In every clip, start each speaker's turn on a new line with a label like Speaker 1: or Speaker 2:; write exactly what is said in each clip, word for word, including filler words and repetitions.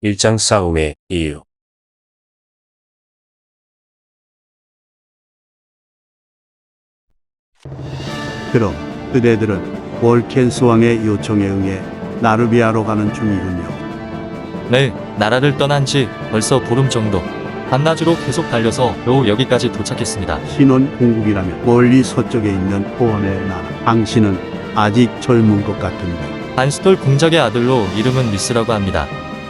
Speaker 1: 일장 싸움의 이유.
Speaker 2: 그럼 그대들은 월켄스 왕의 요청에 응해 나르비아로 가는 중이군요.
Speaker 3: 네, 나라를 떠난 지 벌써 보름 정도. 반나주로 계속 달려서 겨우 여기까지 도착했습니다.
Speaker 2: 신혼 공국이라면 멀리 서쪽에 있는 호원의 나라. 당신은 아직 젊은 것 같은데.
Speaker 3: 반스톨 공작의 아들로 이름은 리스라고 합니다.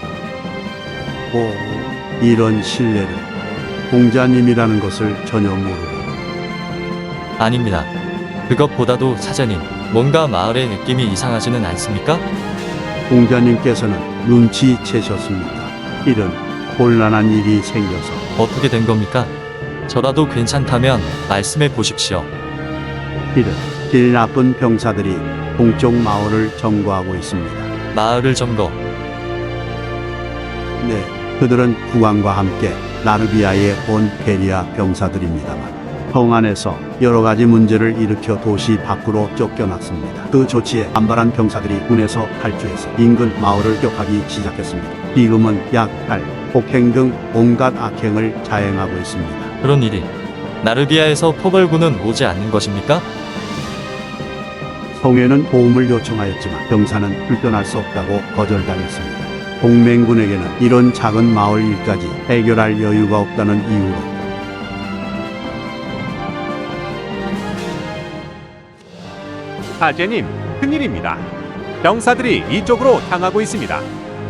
Speaker 2: 오, 이런 신뢰를. 공자님이라는 것을 전혀 모르고.
Speaker 3: 아닙니다. 그것보다도 사장님, 뭔가 마을의 느낌이 이상하지는 않습니까?
Speaker 2: 공자님께서는 눈치채셨습니까? 이런 곤란한 일이 생겨서.
Speaker 3: 어떻게 된 겁니까? 저라도 괜찮다면 말씀해 보십시오.
Speaker 2: 이런 질 나쁜 병사들이 동쪽 마을을 점거하고 있습니다.
Speaker 3: 마을을 점거.
Speaker 2: 네, 그들은 국왕과 함께 나르비아에 온 페리아 병사들입니다만 성 안에서 여러 가지 문제를 일으켜 도시 밖으로 쫓겨났습니다. 그 조치에 반발한 병사들이 군에서 탈주해서 인근 마을을 격하기 시작했습니다. 지금은 약탈, 폭행 등 온갖 악행을 자행하고 있습니다.
Speaker 3: 그런 일이 나르비아에서 포벌군은 오지 않는 것입니까?
Speaker 2: 성에는 도움을 요청하였지만 병사는 불편할 수 없다고 거절당했습니다. 동맹군에게는 이런 작은 마을 일까지 해결할 여유가 없다는 이유로
Speaker 4: 사제님, 큰일입니다. 병사들이 이쪽으로 향하고 있습니다.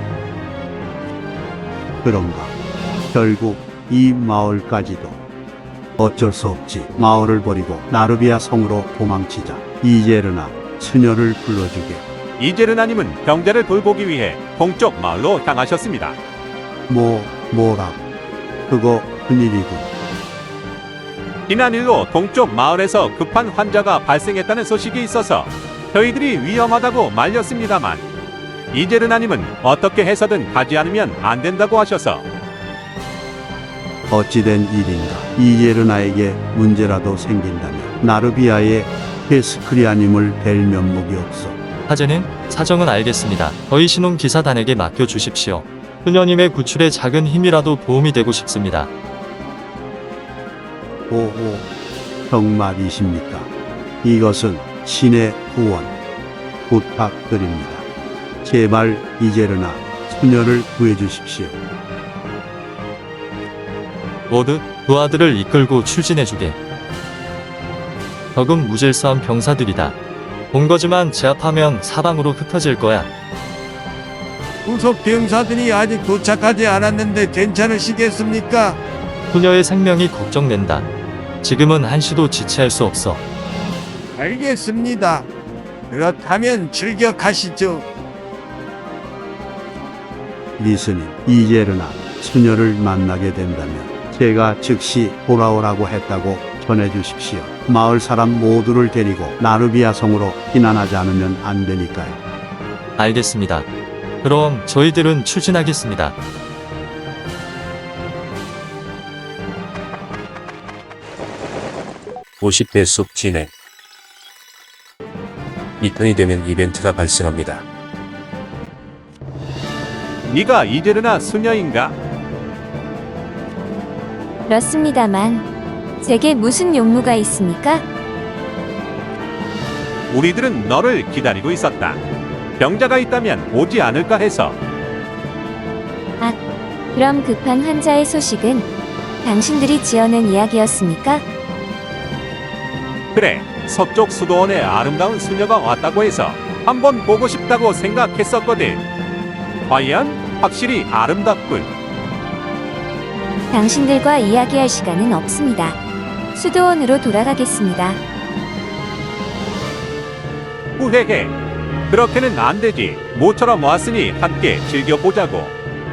Speaker 2: 그런가. 결국 이 마을까지도. 어쩔 수 없지. 마을을 버리고 나르비아 성으로 도망치자. 이제르나, 수녀를 불러주게.
Speaker 4: 이제르나님은 병자를 돌보기 위해 동쪽 마을로 향하셨습니다.
Speaker 2: 뭐, 뭐라고. 그거 큰일이군.
Speaker 4: 지난 일로 동쪽 마을에서 급한 환자가 발생했다는 소식이 있어서 저희들이 위험하다고 말렸습니다만 이제르나님은 어떻게 해서든 가지 않으면 안 된다고 하셔서
Speaker 2: 어찌된 일인가. 이제르나에게 문제라도 생긴다면 나르비아의 페스크리아님을 뵐 면목이 없어.
Speaker 3: 사제는 사정은 알겠습니다. 저희 신혼 기사단에게 맡겨주십시오. 수녀님의 구출에 작은 힘이라도 도움이 되고 싶습니다.
Speaker 2: 오오, 정말이십니까? 이것은 신의 후원. 부탁드립니다. 제발 이제르나 수녀를 구해주십시오.
Speaker 3: 모두 두 아들을 이끌고 출진해주게. 적은 무질서한 병사들이다. 본 거지만 제압하면 사방으로 흩어질 거야.
Speaker 5: 후속 병사들이 아직 도착하지 않았는데 괜찮으시겠습니까?
Speaker 3: 소녀의 생명이 걱정된다. 지금은 한시도 지체할 수 없어.
Speaker 5: 알겠습니다. 그렇다면 출격하시죠.
Speaker 2: 리스님, 이제르나 수녀를 만나게 된다면 제가 즉시 돌아오라고 했다고 전해주십시오. 마을 사람 모두를 데리고 나르비아 성으로避難하지 않으면 안 되니까요.
Speaker 3: 알겠습니다. 그럼 저희들은 출진하겠습니다.
Speaker 1: 오십 대 숲 진행. 이편이 되면 이벤트가 발생합니다.
Speaker 4: 네가 이제르나 수녀인가?
Speaker 6: 그렇습니다만 제게 무슨 용무가 있습니까?
Speaker 4: 우리들은 너를 기다리고 있었다. 병자가 있다면 오지 않을까 해서.
Speaker 6: 아, 그럼 급한 환자의 소식은 당신들이 지어낸 이야기였습니까?
Speaker 4: 그래, 서쪽 수도원에 아름다운 수녀가 왔다고 해서 한번 보고 싶다고 생각했었거든. 과연 확실히 아름답군.
Speaker 6: 당신들과 이야기할 시간은 없습니다. 수도원으로 돌아가겠습니다.
Speaker 4: 후회해. 그렇게는 안 되지. 모처럼 왔으니 함께 즐겨보자고.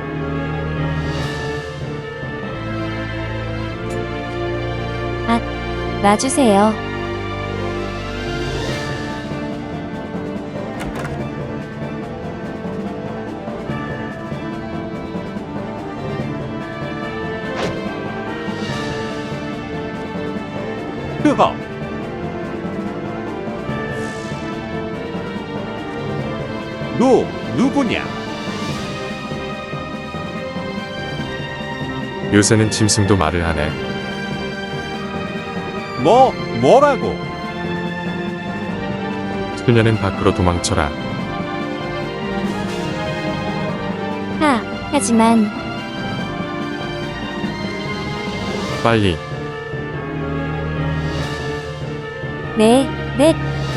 Speaker 6: 아, 놔주세요.
Speaker 4: 흐허. 너 누구냐?
Speaker 7: 요새는 짐승도 말을 하네.
Speaker 4: 뭐, 뭐라고?
Speaker 7: 수녀는 밖으로 도망쳐라.
Speaker 6: 하, 하지만
Speaker 7: 빨리.
Speaker 6: 네, 네.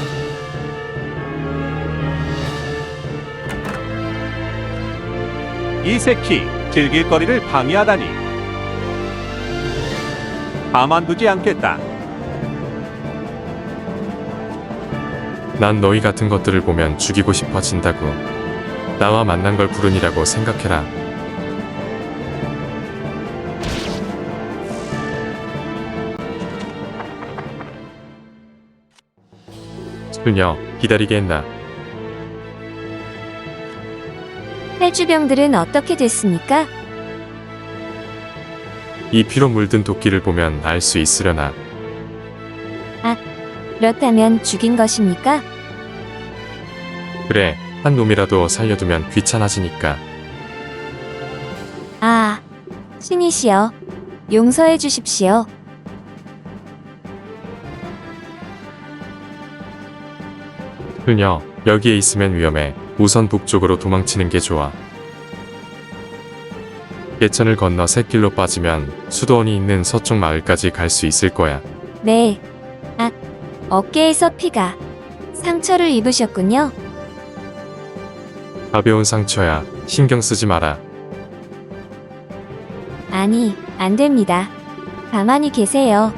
Speaker 4: 이 새끼, 즐길 거리를 방해하다니. 가만두지 않겠다.
Speaker 7: 난 너희 같은 것들을 보면 죽이고 싶어진다고. 나와 만난 걸 불운이라고 생각해라. 수녀, 기다리게 했나?
Speaker 6: 탈주병들은 어떻게 됐습니까?
Speaker 7: 이 피로 물든 도끼를 보면 알 수 있으려나.
Speaker 6: 그렇다면 죽인 것입니까?
Speaker 7: 그래, 한 놈이라도 살려두면 귀찮아지니까.
Speaker 6: 아, 신이시여, 용서해 주십시오.
Speaker 7: 수녀, 여기에 있으면 위험해. 우선 북쪽으로 도망치는 게 좋아. 예천을 건너 샛길로 빠지면 수도원이 있는 서쪽 마을까지 갈 수 있을 거야.
Speaker 6: 네. 아, 어깨에서 피가. 상처를 입으셨군요.
Speaker 7: 가벼운 상처야. 신경 쓰지 마라.
Speaker 6: 아니, 안 됩니다. 가만히 계세요.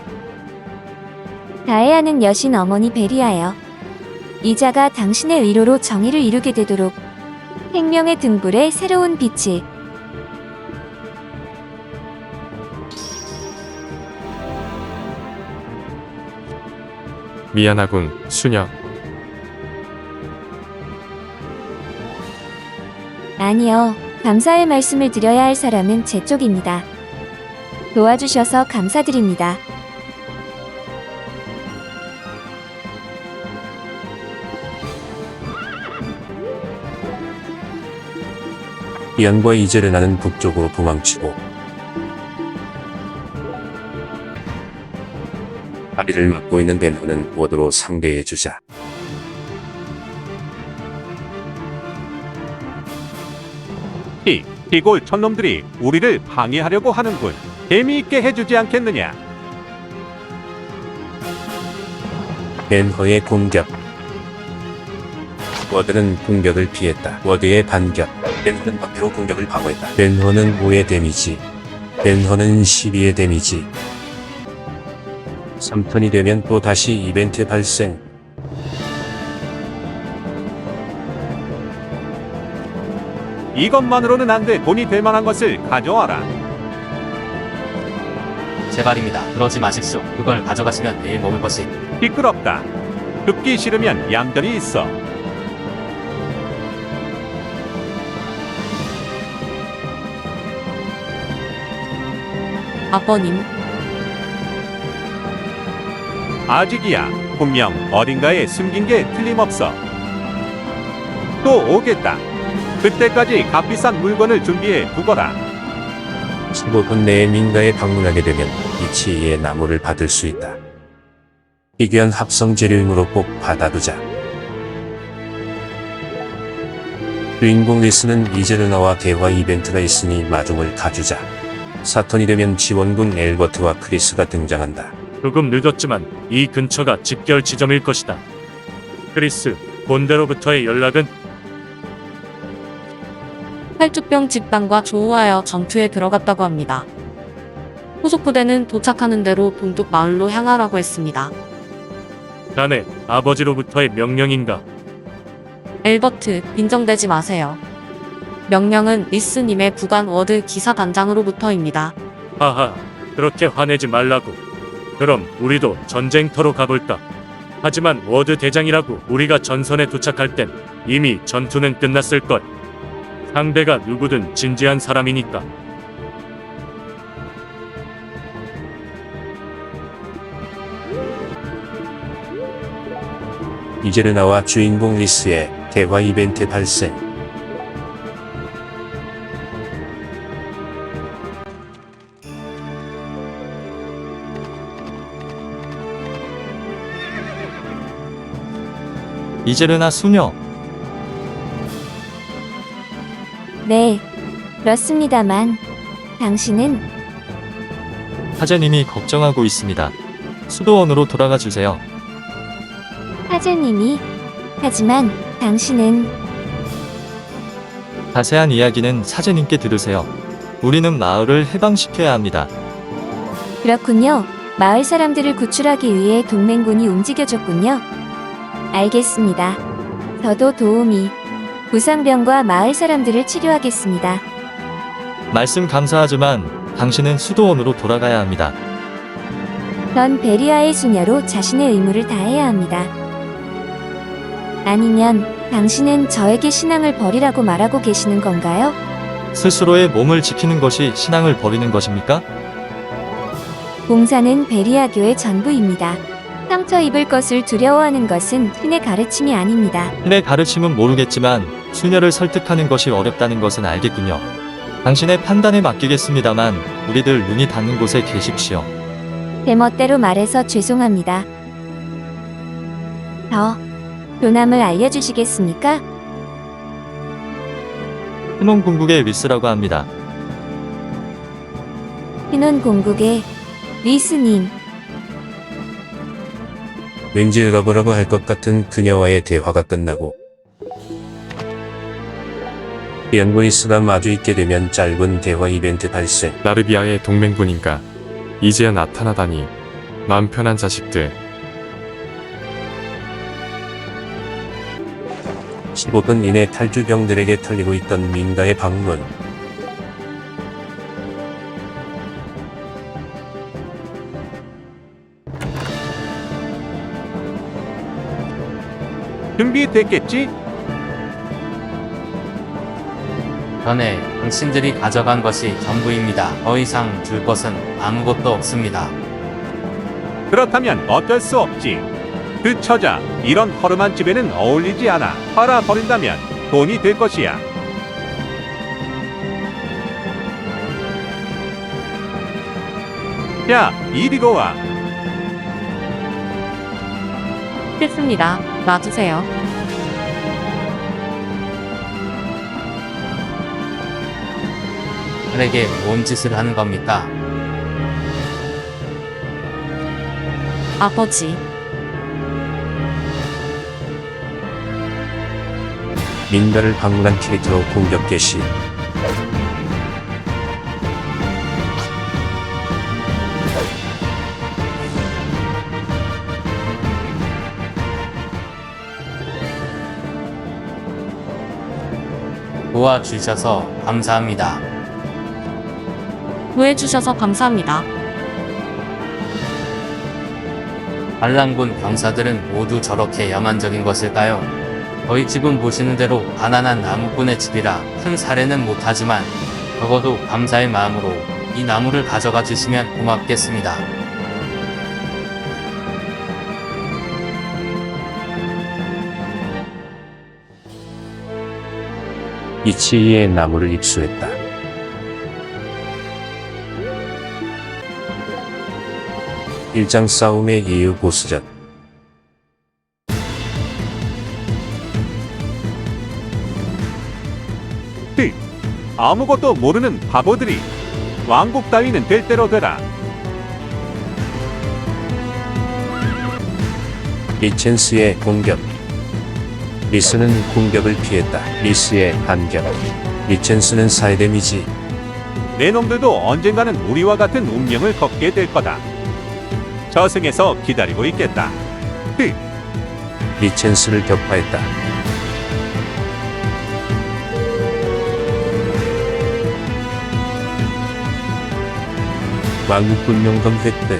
Speaker 6: 다해하는 여신 어머니 베리하여 이자가 당신의 위로로 정의를 이루게 되도록 생명의 등불에 새로운 빛이.
Speaker 7: 미안하군, 수녀.
Speaker 6: 아니요, 감사의 말씀을 드려야 할 사람은 제 쪽입니다. 도와주셔서 감사드립니다.
Speaker 1: 이안과 이제르나는 북쪽으로 도망치고 다리를 막고 있는 벤호는 워드로 상대해주자.
Speaker 4: 이, 이골 촌놈들이 우리를 방해하려고 하는군. 재미있게 해주지 않겠느냐?
Speaker 1: 벤허의 공격. 워드는 공격을 피했다. 워드의 반격. 벤허는 방패로 공격을 방어했다. 벤허는 오의 데미지. 벤허는 십이의 데미지. 삼 턴이 되면 또 다시 이벤트 발생.
Speaker 4: 이것만으로는 안 돼. 돈이 될 만한 것을 가져와라.
Speaker 8: 제발입니다. 그러지 마십시오. 그걸 가져가시면 내일 먹을 것이.
Speaker 4: 시끄럽다. 죽기 싫으면 얌전히 있어.
Speaker 9: 아버님,
Speaker 4: 아직이야. 분명 어딘가에 숨긴 게 틀림없어. 또 오겠다. 그때까지 값비싼 물건을 준비해 두거라.
Speaker 1: 십오 분 내에 민가에 방문하게 되면 이치이의 나무를 받을 수 있다. 희귀한 합성 재료이므로 꼭 받아두자. 주인공 리스는 이제르나와 대화 이벤트가 있으니 마중을 가주자. 사 턴이 되면 지원군 엘버트와 크리스가 등장한다.
Speaker 10: 조금 늦었지만 이 근처가 집결 지점일 것이다. 크리스, 본대로부터의 연락은?
Speaker 9: 탈주병 집단과 조우하여 전투에 들어갔다고 합니다. 후속 부대는 도착하는 대로 동뚝 마을로 향하라고 했습니다.
Speaker 10: 자네 아버지로부터의 명령인가?
Speaker 9: 엘버트, 빈정대지 마세요. 명령은 리스님의 부관 워드 기사단장으로부터입니다.
Speaker 10: 하하, 그렇게 화내지 말라고. 그럼 우리도 전쟁터로 가볼까? 하지만 워드 대장이라고 우리가 전선에 도착할 땐 이미 전투는 끝났을걸. 상대가 누구든 진지한 사람이니까.
Speaker 1: 이제르나와 주인공 리스의 대화 이벤트 발생.
Speaker 3: 이제르나 수녀.
Speaker 6: 네, 그렇습니다만 당신은
Speaker 3: 사제님이 걱정하고 있습니다. 수도원으로 돌아가 주세요.
Speaker 6: 사제님이 하지만 당신은
Speaker 3: 자세한 이야기는 사제님께 들으세요. 우리는 마을을 해방시켜야 합니다.
Speaker 6: 그렇군요. 마을 사람들을 구출하기 위해 동맹군이 움직여줬군요. 알겠습니다. 저도 도우미 부상병과 마을 사람들을 치료하겠습니다.
Speaker 3: 말씀 감사하지만 당신은 수도원으로 돌아가야 합니다.
Speaker 6: 전 베리아의 수녀로 자신의 의무를 다해야 합니다. 아니면 당신은 저에게 신앙을 버리라고 말하고 계시는 건가요?
Speaker 3: 스스로의 몸을 지키는 것이 신앙을 버리는 것입니까?
Speaker 6: 봉사는 베리아교의 전부입니다. 상처 입을 것을 두려워하는 것은 신의 가르침이 아닙니다.
Speaker 3: 신의 가르침은 모르겠지만 수녀를 설득하는 것이 어렵다는 것은 알겠군요. 당신의 판단에 맡기겠습니다만 우리들 눈이 닿는 곳에 계십시오.
Speaker 6: 제 멋대로 말해서 죄송합니다. 저 교남을 알려주시겠습니까?
Speaker 3: 신혼 궁극의 리스라고 합니다.
Speaker 6: 신혼 공국의 리스님.
Speaker 1: 왠지 러브러브 할 것 같은 그녀와의 대화가 끝나고 연구이스가 마주 있게 되면 짧은 대화 이벤트 발생.
Speaker 7: 나르비아의 동맹군인가? 이제야 나타나다니. 마음 편한 자식들.
Speaker 1: 십오 분 이내 탈주병들에게 털리고 있던 민가의 방문.
Speaker 4: 준비됐겠지?
Speaker 8: 전에 당신들이 가져간 것이 전부입니다. 더 이상 줄 것은 아무것도 없습니다.
Speaker 4: 그렇다면 어쩔 수 없지. 그 처자, 이런 허름한 집에는 어울리지 않아. 팔아버린다면 돈이 될 것이야. 야, 이리로 와.
Speaker 9: 싫습니다. 놔주세요.
Speaker 8: 딸에게 뭔 짓을 하는 겁니까?
Speaker 9: 아버지,
Speaker 1: 민가를 방문한 캐릭터로 공격 개시.
Speaker 8: 도와주셔서 감사합니다.
Speaker 9: 구해주셔서 감사합니다. 반란군 병사들은 모두 저렇게 야만적인 것일까요? 저희 집은 보시는 대로 가난한 나무꾼의 집이라 큰 사례는 못하지만 적어도 감사의 마음으로 이 나무를 가져가 주시면 고맙겠습니다.
Speaker 1: 이치이의 나무를 입수했다. 일장 싸움의 이유 보스전.
Speaker 4: 히, 아무것도 모르는 바보들이. 왕국 따위는 될 대로 되라.
Speaker 1: 리첸스의 공격. 리스는 공격을 피했다. 리스의 반격. 리첸스는 사 데미지.
Speaker 4: 내 놈들도 언젠가는 우리와 같은 운명을 걷게 될 거다. 저승에서 기다리고 있겠다. 히,
Speaker 1: 리첸스를 격파했다. 왕국 분명검 획득.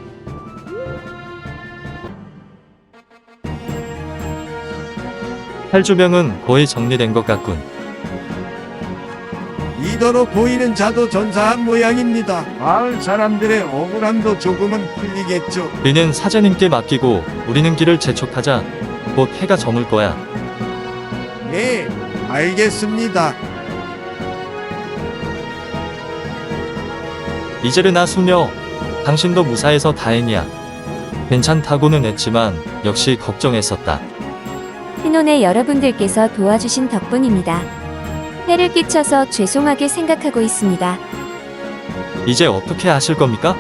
Speaker 3: 탈주병은 거의 정리된 것 같군.
Speaker 5: 리더로 보이는 자도 전사한 모양입니다. 마을 사람들의 억울함도 조금은 풀리겠죠.
Speaker 3: 우리는 사제님께 맡기고 우리는 길을 재촉하자. 곧 해가 저물 거야.
Speaker 5: 네, 알겠습니다.
Speaker 3: 이제르나 수녀, 당신도 무사해서 다행이야. 괜찮다고는 했지만 역시 걱정했었다.
Speaker 6: 신혼의 여러분들께서 도와주신 덕분입니다. 해를 끼쳐서 죄송하게 생각하고 있습니다.
Speaker 3: 이제 어떻게 하실 겁니까?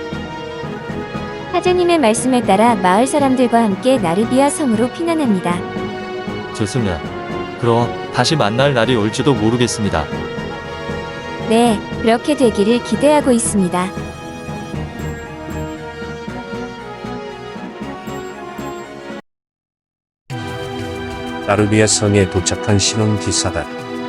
Speaker 6: 하재님의 말씀에 따라 마을 사람들과 함께 나르비아 섬으로 피난합니다.
Speaker 3: 좋습니다. 그럼 다시 만날 날이 올지도 모르겠습니다.
Speaker 6: 네, 그렇게 되기를 기대하고 있습니다.
Speaker 1: 나르비아 성에 도착한 신혼 기사단.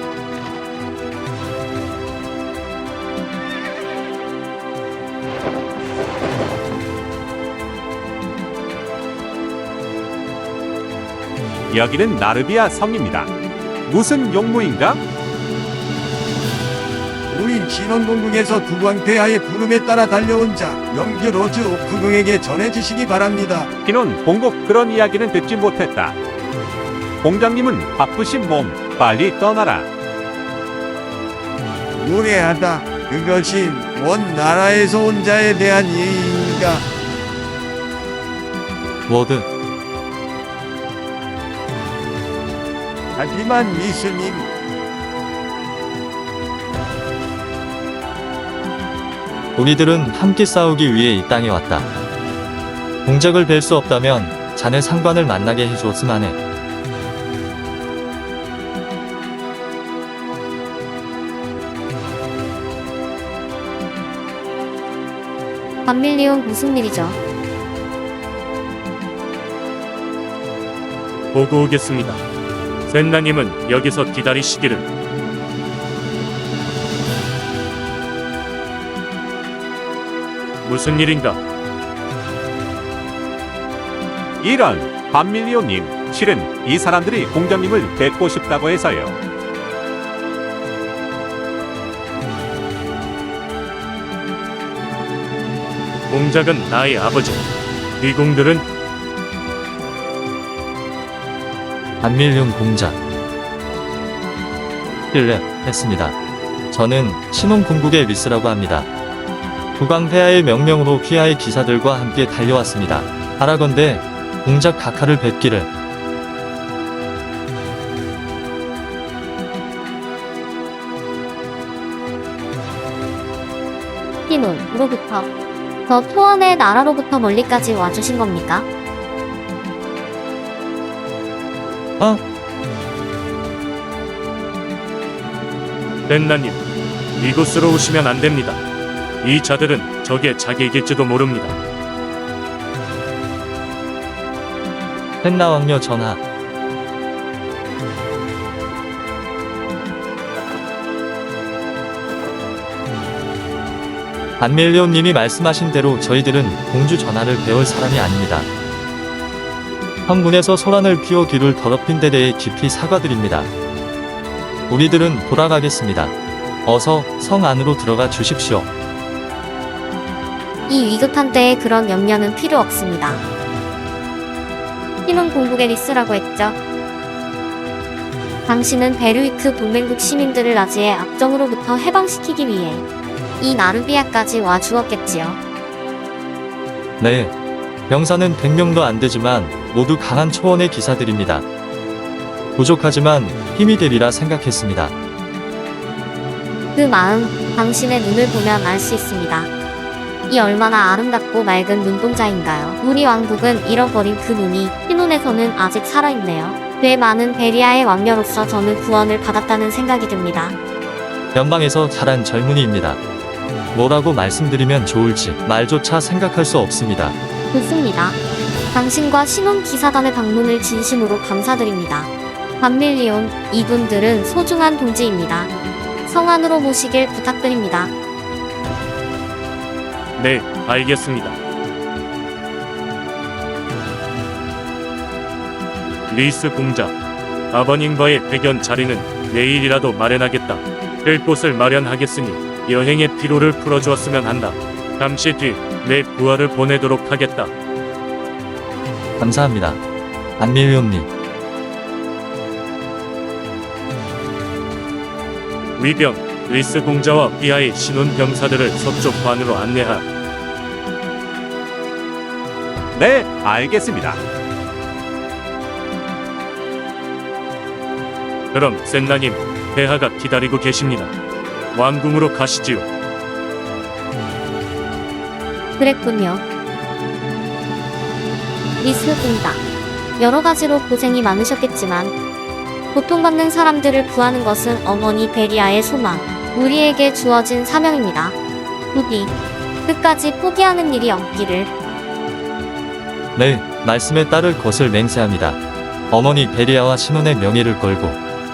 Speaker 4: 여기는 나르비아 성입니다. 무슨 용무인가?
Speaker 5: 우리 신혼공궁에서 국왕폐하의 부름에 따라 달려온 자 영규 로즈 오프궁에게 전해주시기 바랍니다.
Speaker 4: 피논 봉국 그런 이야기는 듣지 못했다. 공장님은 바쁘신 몸 빨리 떠나라.
Speaker 5: 무례하다. 그것이 원 나라에서 온 자에 대한 예의인가?
Speaker 3: 워드,
Speaker 5: 하지만 이스님,
Speaker 3: 우리들은 함께 싸우기 위해 이 땅에 왔다. 공작을 뵐 수 없다면 자네 상관을 만나게 해주었으만 해.
Speaker 11: 반밀리온 무슨 일이죠?
Speaker 10: 보고 오겠습니다. 젠나님은 여기서 기다리시기를. 무슨 일인가?
Speaker 4: 이런 반밀리오님, 실은 이 사람들이 공장님을 뵙고 싶다고 해서요.
Speaker 10: 공작은 나의 아버지. 위공들은
Speaker 3: 반밀륜 공작. 실례했습니다. 저는 신혼공국의 리스라고 합니다. 국왕폐하의 명령으로 휘하의 기사들과 함께 달려왔습니다. 바라건대 공작 각하를 뵙기를.
Speaker 11: 피논으로부터 저 초원의 나라로부터 멀리까지 와주신 겁니까?
Speaker 3: 아,
Speaker 10: 젠나님, 이곳으로 오시면 안 됩니다. 이 자들은 적의 자객일지도 모릅니다.
Speaker 3: 헨나 왕녀 전하. 반밀리온님이 말씀하신 대로 저희들은 공주 전하를 배울 사람이 아닙니다. 황군에서 소란을 피워 귀를 더럽힌 데 대해 깊이 사과드립니다. 우리들은 돌아가겠습니다. 어서 성 안으로 들어가 주십시오.
Speaker 11: 이 위급한 때에 그런 염려는 필요 없습니다. 피논 공국의 리스라고 했죠. 당신은 베르위크 동맹국 시민들을 나지의 악정으로부터 해방시키기 위해 이 나르비아까지 와 주었겠지요.
Speaker 3: 네. 병사는 백 명도 안 되지만 모두 강한 초원의 기사들입니다. 부족하지만 힘이 되리라 생각했습니다.
Speaker 11: 그 마음, 당신의 눈을 보면 알 수 있습니다. 이 얼마나 아름답고 맑은 눈동자인가요? 우리 왕국은 잃어버린 그 눈이 피논에서는 아직 살아있네요. 꽤 많은 베리아의 왕녀로서 저는 구원을 받았다는 생각이 듭니다.
Speaker 3: 연방에서 자란 젊은이입니다. 뭐라고 말씀드리면 좋을지 말조차 생각할 수 없습니다.
Speaker 11: 좋습니다. 당신과 신혼 기사단의 방문을 진심으로 감사드립니다. 반밀리온, 이분들은 소중한 동지입니다. 성 안으로 모시길 부탁드립니다.
Speaker 10: 네, 알겠습니다. 리스 공작, 아버님과의 백연 자리는 내일이라도 마련하겠다. 될 곳을 마련하겠으니 여행의 피로를 풀어주었으면 한다. 잠시 뒤 내 부하를 보내도록 하겠다.
Speaker 3: 감사합니다. 반밀리온님.
Speaker 10: 위병, 리스 공자와 비하의 신혼 병사들을 서쪽 관으로 안내하.
Speaker 4: 네, 알겠습니다.
Speaker 10: 그럼 센나님, 폐하가 기다리고 계십니다. 왕궁으로 가시지요.
Speaker 11: 그랬군요. 미스입니다. 여러 가지로 고생이 많으셨겠지만 고통받는 사람들을 구하는 것은 어머니 베리아의 소망, 우리에게 주어진 사명입니다. 부디 끝까지 포기하는 일이 없기를.
Speaker 3: 네, 말씀에 따를 것을 맹세합니다. 어머니 베리아와 신혼의 명예를 걸고.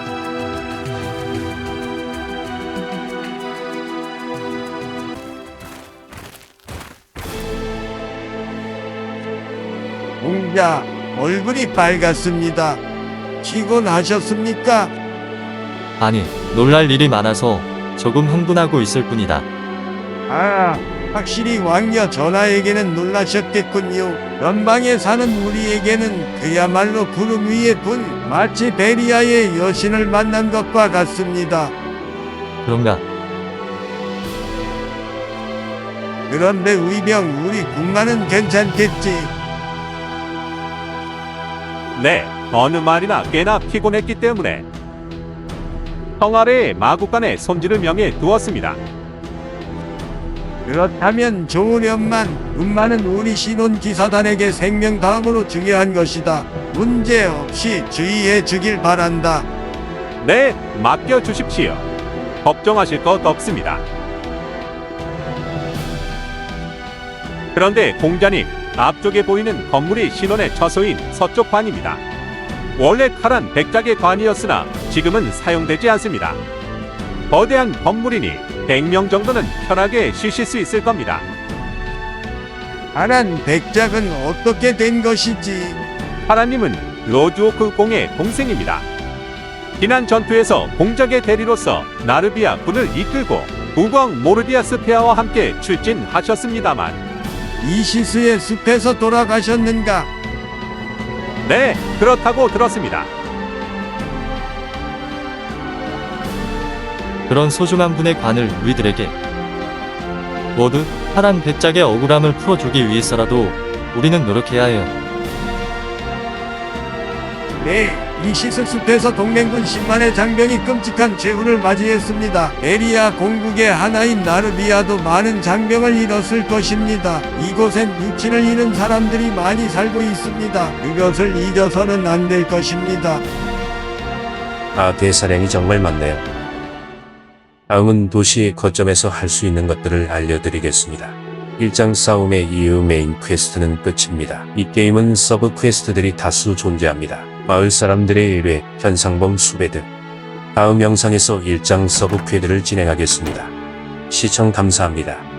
Speaker 5: 공자, 얼굴이 빨갛습니다. 피곤하셨습니까?
Speaker 3: 아니, 놀랄 일이 많아서 조금 흥분하고 있을 뿐이다.
Speaker 5: 아, 확실히 왕녀 전하에게는 놀라셨겠군요. 연방에 사는 우리에게는 그야말로 구름 위에 둔 마치 베리아의 여신을 만난 것과 같습니다.
Speaker 3: 그런가?
Speaker 5: 그런데 의병 우리 군마는 괜찮겠지?
Speaker 4: 네, 어느 말이나 꽤나 피곤했기 때문에 성 아래에 마국간의 손질을 명해 두었습니다.
Speaker 5: 그렇다면 좋으련만 군마는 우리 신혼 기사단에게 생명 다음으로 중요한 것이다. 문제 없이 주의해 주길 바란다.
Speaker 4: 네, 맡겨 주십시오. 걱정하실 것 없습니다. 그런데 공자님, 앞쪽에 보이는 건물이 신원의 처소인 서쪽 관입니다. 원래 카란 백작의 관이었으나 지금은 사용되지 않습니다. 거대한 건물이니 백 명 정도는 편하게 쉬실 수 있을 겁니다.
Speaker 5: 하란 백작은 어떻게 된 것이지?
Speaker 4: 하란님은 로즈오크 공의 동생입니다. 지난 전투에서 공작의 대리로서 나르비아 군을 이끌고 국왕 모르디아스 폐하와 함께 출진하셨습니다만
Speaker 5: 이시스의 숲에서 돌아가셨는가?
Speaker 4: 네, 그렇다고 들었습니다.
Speaker 3: 그런 소중한 분의 관을 우리들에게 모두 파란 백작의 억울함을 풀어주기 위해서라도 우리는 노력해야 해요.
Speaker 5: 네, 이시스 숲에서 동맹군 십만의 장병이 끔찍한 재훈을 맞이했습니다. 에리아 공국의 하나인 나르비아도 많은 장병을 잃었을 것입니다. 이곳엔 육친을 잃은 사람들이 많이 살고 있습니다. 그것을 잊어서는 안 될 것입니다.
Speaker 1: 아, 대사량이 정말 많네요. 다음은 도시의 거점에서 할 수 있는 것들을 알려드리겠습니다. 일 장 싸움의 이후 메인 퀘스트는 끝입니다. 이 게임은 서브 퀘스트들이 다수 존재합니다. 마을 사람들의 의뢰, 현상범 수배 등. 다음 영상에서 일 장 서브 퀘드를 진행하겠습니다. 시청 감사합니다.